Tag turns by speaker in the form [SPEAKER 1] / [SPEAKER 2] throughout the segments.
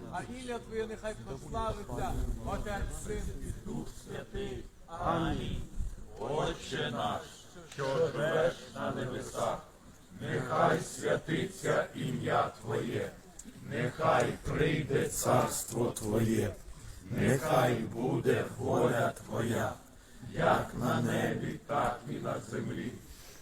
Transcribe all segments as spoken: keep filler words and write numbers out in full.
[SPEAKER 1] а ім'я Твоє нехай прославиться, Отець, Син і Дух Святий. Амінь.
[SPEAKER 2] Отче наш, що живеш на небесах, нехай святиться ім'я Твоє, нехай прийде царство Твоє, нехай буде воля Твоя, як на небі, так і на землі.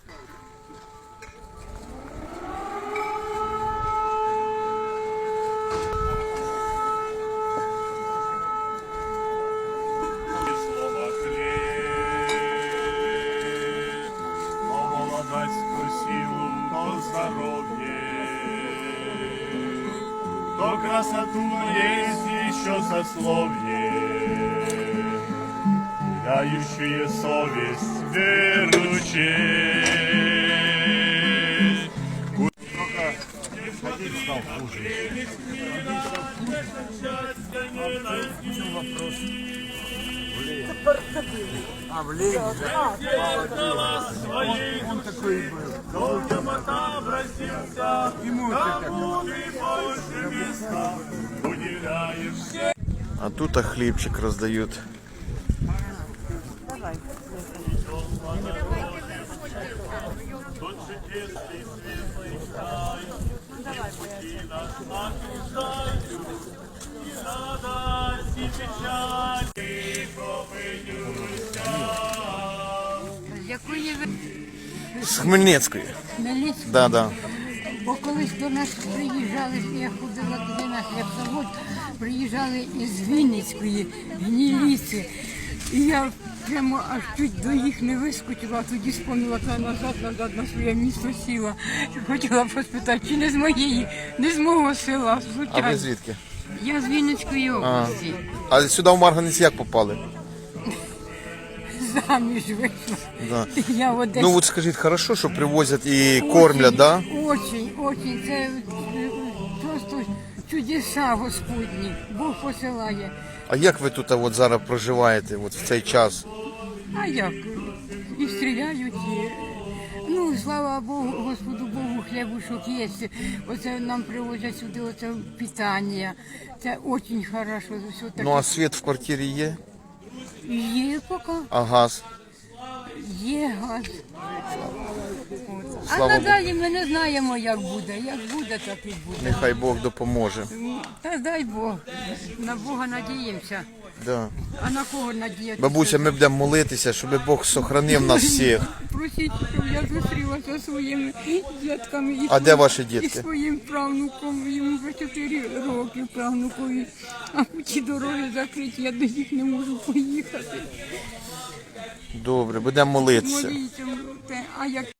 [SPEAKER 3] То красоту есть еще сословие, дающие совесть веручей. Один стал хуже. Вопрос. А, в Лени, да? Он такой был. Ему
[SPEAKER 4] А тут а хлібчик роздають.
[SPEAKER 5] Давай.
[SPEAKER 6] З якої ви
[SPEAKER 4] З Хмельницької.
[SPEAKER 6] Хмельницької?
[SPEAKER 4] Да, да.
[SPEAKER 6] Бо колись до нас приїжджали, я ходила туди на хлібзавод, приїжджали із Вінницької, гніліці. І я прямо аж чуть до їх не вискочила, а тоді спомнила та назад, назад на своє місто сіла. Хотіла поспитати, чи не з моєї, не з мого села,
[SPEAKER 4] А
[SPEAKER 6] звичайно.
[SPEAKER 4] ви звідки?
[SPEAKER 6] Я з Вінницької області.
[SPEAKER 4] А сюди в Марганець як попали?
[SPEAKER 6] Заміж вийшла.
[SPEAKER 4] Да.
[SPEAKER 6] Я в Одесі.
[SPEAKER 4] Ну от скажіть, хорошо, що привозять і кормлять, да?
[SPEAKER 6] Очень, очень. Це е, просто чудеса Господні. Бог посилає.
[SPEAKER 4] А як ви тут а, от зараз проживаєте от в цей час?
[SPEAKER 6] А як? І стріляють, і... Ну, слава Богу, Господу Богу, хлібушок є. Оце нам привозять сюди оце питання. Це дуже хорошо. Все таке.
[SPEAKER 4] Ну а світ в квартирі є?
[SPEAKER 6] Є поки,
[SPEAKER 4] А газ?
[SPEAKER 6] є газ. А
[SPEAKER 4] Слава
[SPEAKER 6] надалі ми не знаємо, як буде. Як буде, так і буде.
[SPEAKER 4] Нехай Бог допоможе.
[SPEAKER 6] Та дай Бог. На Бога надіємося.
[SPEAKER 4] Да.
[SPEAKER 6] А на кого надіятися?
[SPEAKER 4] Бабуся, ми будемо молитися, щоб Бог сохранив нас всіх.
[SPEAKER 6] Просіть, щоб я зустрілася зі своїми дітками і,
[SPEAKER 4] А
[SPEAKER 6] своїм,
[SPEAKER 4] де ваші
[SPEAKER 6] і
[SPEAKER 4] дітки?
[SPEAKER 6] своїм правнуком. Йому вже чотири роки правнукові. А ті дороги закриті, я до них не можу поїхати.
[SPEAKER 4] Добре, будемо молитися.
[SPEAKER 6] Моліться, а як